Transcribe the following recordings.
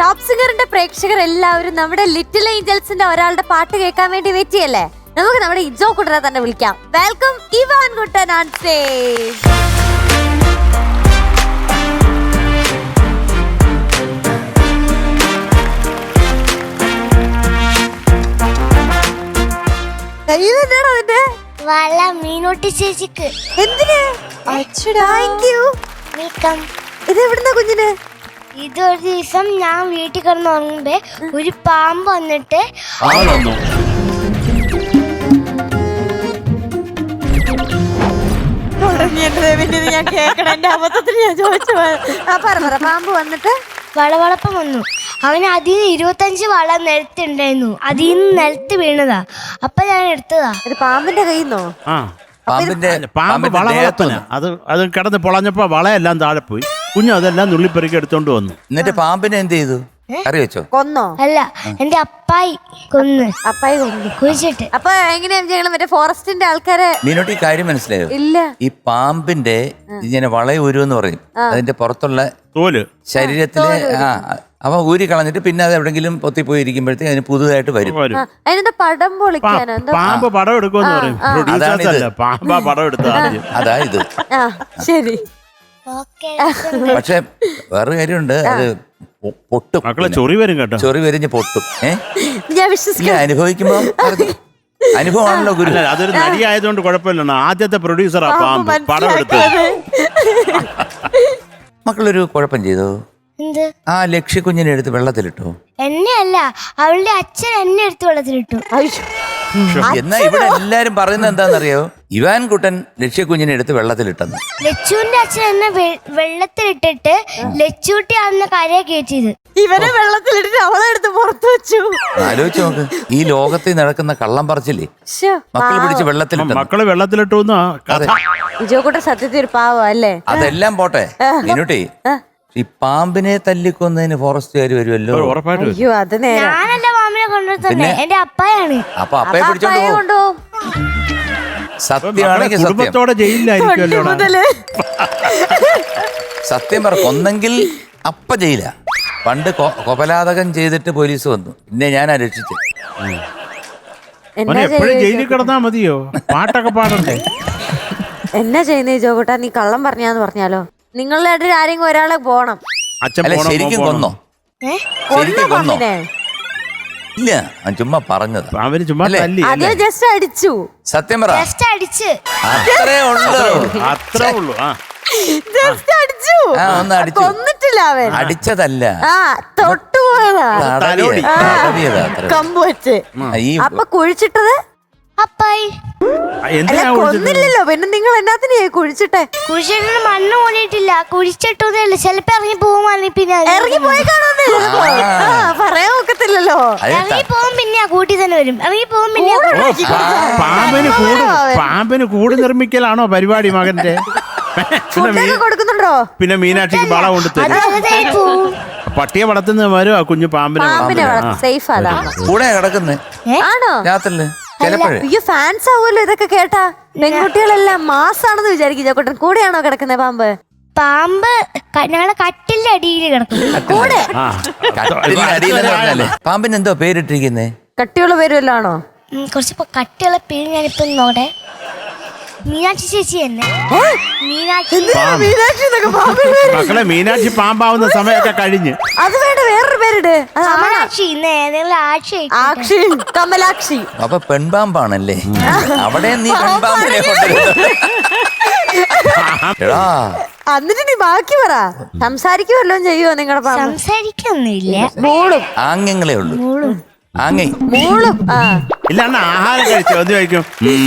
Top സിംഗറിന്റെ പ്രേക്ഷകർ എല്ലാവരും നമ്മുടെ ലിറ്റിൽ ഏഞ്ചൽസിന്റെ ഒരാളുടെ പാട്ട് കേൾക്കാൻ വേണ്ടി വെയിറ്റ് ചെയ്യല്ലേ? നമുക്ക് നമ്മുടെ ഇജോ കുട്ടനെ തന്നെ വിളിക്കാം. Welcome Ivan Kuttan on stage. അതിന്റെ വള മീനോട്ടി ചേച്ചിക്ക്. എന്തിന്? Thank you. വെൽക്കം. ഇത് എവിടുന്ന കുഞ്ഞിന്? ഇതൊരു ദിവസം ഞാൻ വീട്ടിൽ കിടന്ന് ഉറങ്ങുമ്പോ ഒരു പാമ്പ് വന്നിട്ട് ഞാൻ കേക്കണം. എന്റെ അബദ്ധത്തിൽ ഞാൻ ചോദിച്ചു. പാമ്പ് വന്നിട്ട് വളവളപ്പം വന്നു. അവന് അതിൽ 25 വള നിലത്തുണ്ടായിരുന്നു. അതിൽ നിന്ന് നിലത്ത് വീണതാ. അപ്പൊ ഞാൻ എടുത്തതാ. ഇത് പാമ്പിന്റെ കയ്യിന്നോ? പാമ്പ് വള വളർത്തുന്ന അത് കിടന്ന് പൊളഞ്ഞപ്പോ വളയെല്ലാം താഴെ പോയി. കുഞ്ഞു അതെല്ലാം നുള്ളിപ്പെറുക്കി എടുത്തോണ്ട് വന്നു. എന്നിട്ട് പാമ്പിനെ എന്ത് ചെയ്തു? കറി വെച്ചോ? കൊന്നോ? അല്ല, എന്റെ അപ്പായി കൊന്ന്. അപ്പായി കൊന്നു കുഴിച്ചിട്ട്. അപ്പൊ എങ്ങനെയാ ഞങ്ങള് മറ്റേ ഫോറസ്റ്റിന്റെ ആൾക്കാരെ? മീനോട്ട് ഈ കാര്യം മനസ്സിലായോ? ഇല്ല. ഈ പാമ്പിന്റെ ഇങ്ങനെ വളയൂരെന്ന് പറയും. അതിന്റെ പുറത്തുള്ള തോല് ശരീരത്തിലെ അവ ഊരി കളഞ്ഞിട്ട് പിന്നെ അത് എവിടെങ്കിലും പൊത്തിപ്പോയി ഇരിക്കുമ്പോഴത്തേക്ക് അതിന് പുതുതായിട്ട് വരും. അതിന്റെ പടം പൊളിക്കാനോ? പാമ്പ് പടം എടുക്കുമെന്ന് പറയും. പാമ്പ പടം എടുത്ത അതാ ഇത്. ശരി. പക്ഷെ വേറൊരു കാര്യമുണ്ട്, അത് പൊട്ടും. മക്കളെ ചൊറി വരും കേട്ടോ. ചൊറി വരിഞ്ഞ് പൊട്ടും. ഞാൻ വിശ്വസിക്കാം. അനുഭവിക്കുമ്പോ അനുഭവമാണല്ലോ ഗുരു. അതൊരു നടി ആയതുകൊണ്ട് കുഴപ്പമില്ല. ആദ്യത്തെ പ്രൊഡ്യൂസറാ പാമ്പ് പടം എടുത്ത്. മക്കളൊരു കുഴപ്പം ചെയ്തോ? എന്ത്? ആ ലക്ഷ്യക്കുഞ്ഞിനെ എടുത്ത് വെള്ളത്തിലിട്ടോ? എന്നെ അല്ല, അവളുടെ അച്ഛൻ എന്നെ എടുത്ത് വെള്ളത്തിലിട്ടു. എന്നാ ഇവിടെ എല്ലാരും പറയുന്നത് എന്താണെന്നറിയോ? ഇവാൻ കുട്ടൻ ലക്ഷ്യക്കുഞ്ഞിനെ എടുത്ത് വെള്ളത്തിലിട്ടെന്ന്. ലച്ചുവിന്റെ അച്ഛൻ എന്നെ വെള്ളത്തിലിട്ടിട്ട് ലച്ചൂട്ടി അവനെ കരയെ കയറ്റിയത്. ഇവനെ വെള്ളത്തിലിട്ട് അവളെ എടുത്ത് പുറത്തു വെച്ചു. ആലോചിച്ച് നോക്ക്, ഈ ലോകത്തിൽ നടക്കുന്ന കള്ളം പറച്ചില്ലേ മക്കൾ പിടിച്ച് വെള്ളത്തിലിട്ടു. മക്കള് വെള്ളത്തിലിട്ടു. ഇജോ കൂട്ട സത്യത്തിൽ ഒരു പാവം അല്ലേ? അതെല്ലാം പോട്ടെ മീനുട്ടി, ഈ പാമ്പിനെ തല്ലിക്കൊന്നതിന് ഫോറസ്റ്റുകാർ വരുമല്ലോ. ഉറപ്പായിട്ടും. അയ്യോ അത് നേരെ. ഞാനല്ല പാമ്പിനെ കൊണ്ടുവരുന്നത്, എന്റെ അപ്പായാണ്. അപ്പൊ അപ്പയെ പിടിച്ചോണ്ട് പോകും. കൊണ്ടുപോകും. സത്യമാണെങ്കിൽ സത്യം. കുടുംബത്തോടെ ജയിലിലായിരിക്കുമല്ലോ. സത്യം പറ, കൊന്നെങ്കിൽ അപ്പ ജയില. പണ്ട് കൊപലാതകം ചെയ്തിട്ട് പോലീസ് വന്നു, പിന്നെ ഞാൻ രക്ഷിച്ചു. എപ്പോഴും ജയിലിൽ കിടന്നാ മതിയോ? പാട്ടൊക്കെ പാടണ്ടേ? എന്നാ ചെയ്യുന്നേ ഇജോ കൂട്ടാ? നീ കള്ളം പറഞ്ഞാന്ന് പറഞ്ഞാലോ? നിങ്ങളുടെ ഇടയിൽ ആരെങ്കിലും ഒരാളെ പോണം. അല്ല ശരിക്കും കൊന്നോ? ശരിക്കും കൊന്നോ? ഇല്ല, ചുമ്മാ പറഞ്ഞത്. അവര് ചുമ്മാ തല്ലി. അത് ജസ്റ്റ് അടിച്ചു. സത്യം പറ. അടിച്ച് അത്രേ ഉള്ളൂ. അത്രേ ഉള്ളൂ. ജസ്റ്റ് അടിച്ചു. ഒന്ന് അടിച്ചു. കൊന്നിട്ടില്ല അവൻ. അടിച്ചതല്ല, തൊട്ടുപോയതാ. കമ്പ് വെച്ച്. അപ്പൊ കുഴിച്ചിട്ടത് അപ്പായി. കൊന്നില്ലല്ലോ, പിന്നെ നിങ്ങൾ എന്നാത്തിനെ കുഴിച്ചിട്ടെ? കുഴിച്ചിട്ട് മണ്ണ് മൂടിയിട്ടില്ല, കുഴിച്ചിട്ടതല്ല. ചിലപ്പോ ഇറങ്ങി പോകും. പിന്നെ ഇറങ്ങി പോയി പറയാൻ ഒക്കത്തില്ലല്ലോ. ഇറങ്ങി പോകും, പിന്നെ കൂട്ടി തന്നെ വരും. ഇറങ്ങി പോകും, പിന്നെ പാമ്പിന് കൂട് നിർമ്മിക്കലാണോ പരിപാടി മകന്റെ? കൊടുക്കുന്നുണ്ടോ? പിന്നെ മീനാക്ഷിക്ക് വള കൊണ്ട് തരും. പട്ടിയെ വളർത്തുന്ന വരുവാ കുഞ്ഞു പാമ്പിനെ. സേഫ് അതാണ്. കൂടെ കിടക്കുന്നേ ആണോ? രാത്രില് അയ്യോ, ഫാൻസ് ആവുമല്ലോ ഇതൊക്കെ കേട്ടാ. പെൺകുട്ടികളെല്ലാം മാസാണെന്ന് വിചാരിക്കും. ചേട്ടൻ കൂടെയാണോ കിടക്കുന്നത് പാമ്പ്? പാമ്പ് ഞങ്ങളെ കട്ടിലിന്റെ അടിയിൽ കിടക്കും. കൂടെ പാമ്പിന് എന്തോ പേരിട്ടിരിക്കുന്നേ? കട്ടിയുള്ള പേര് വല്ലതാണോ? കുറച്ച് കട്ടിയുള്ള പേര് ഞാനിപ്പോ നോടെ. മീനാക്ഷി ചേച്ചി തന്നെ. മക്കളെ മീനാക്ഷി പാമ്പാവുന്ന സമയമൊക്കെ കഴിഞ്ഞ്. അത് വേണ്ട, വേറൊരു പേരിട്. ആക്ഷി, കമലാക്ഷി. അപ്പൊ പെൺപാമ്പാണല്ലേ? അവിടെ നീ പെൺപാമ്പിനെ കൊണ്ടുവരുന്നത്. എന്നിട്ട് നീ ബാക്കി പറ. സംസാരിക്കുമല്ലോ ചെയ്യുവോ നിങ്ങളുടെ പാമ്പ്? സംസാരിക്കൊന്നുമില്ല, മൂളും. ആംഗ്യങ്ങളേ ഉള്ളൂ. മൂളും. ഇല്ലാണ്ട് ആഹാരം കഴിച്ചു അത് കഴിക്കും.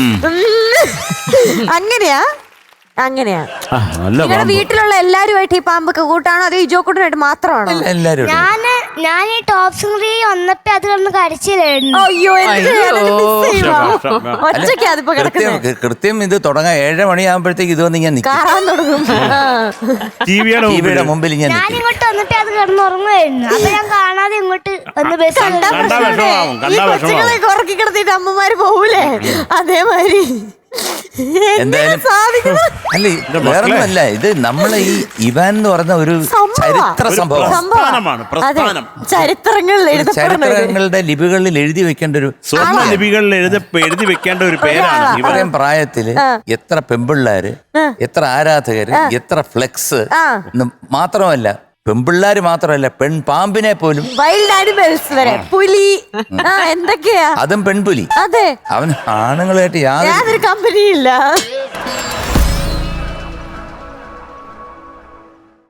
അങ്ങനെയാ? നിങ്ങളുടെ വീട്ടിലുള്ള എല്ലാരുമായിട്ട് ഈ പാമ്പൊക്കെ കൂട്ടാണോ അതോ ഇജോ കൂട്ടനായിട്ട് മാത്രമാണോ? ഞാൻ ഈ ടോപ്പ് സിംഗറിൽ വന്നപ്പോ അത് കിടന്ന് കരച്ചിലായിരുന്നു. അയ്യോ, ഒറ്റയ്ക്ക് അതിപ്പോ കിടക്കുന്നത്. കൃത്യം ഇത് തുടങ്ങാൻ 7 മണിയാകുമ്പോഴത്തേക്ക് ഇത് വന്ന് ഞാൻ കാണാൻ തുടങ്ങും. ടിവിയുടെ മുമ്പിൽ ഞാൻ ഇങ്ങോട്ട് വന്നിട്ട് അത് കിടന്നുറങ്ങുമായിരുന്നു. അപ്പൊ ഞാൻ കാണാതെ ഇങ്ങോട്ട് വന്ന് ഈ കൊച്ചുങ്ങളെ ഉറക്കി കിടത്തിട്ട് അമ്മമാര് പോവൂലേ, അതേമാതിരി. എന്തായാലും അല്ല വേറൊന്നുമല്ല, ഇത് നമ്മളെ ഈ ഇവാൻ എന്ന് പറഞ്ഞ ഒരു ചരിത്ര സംഭവം. പ്രസ്ഥാനമാണ്, പ്രസ്ഥാനം. ചരിത്രങ്ങളുടെ ലിപികളിൽ എഴുതി വെക്കേണ്ട ഒരു സ്വർണ്ണ ലിപികളിൽ എഴുതി വെക്കേണ്ട ഒരു പേരാണ് ഇവൻ. ഇവരെയും പ്രായത്തില് എത്ര പെമ്പിള്ളാര്, എത്ര ആരാധകര്, എത്ര ഫ്ലെക്സ്. മാത്രമല്ല പെമ്പിള്ളാര് മാത്രമല്ല, പെൺപാമ്പിനെ പോലും, വൈൽഡ് ആനിമൽസ് വരെ, പുലി, എന്തൊക്കെയാ, അതും പെൺപുലി. അതെ, അവൻ ആണുങ്ങളായിട്ട് യാതൊരു കമ്പനിയില്ല.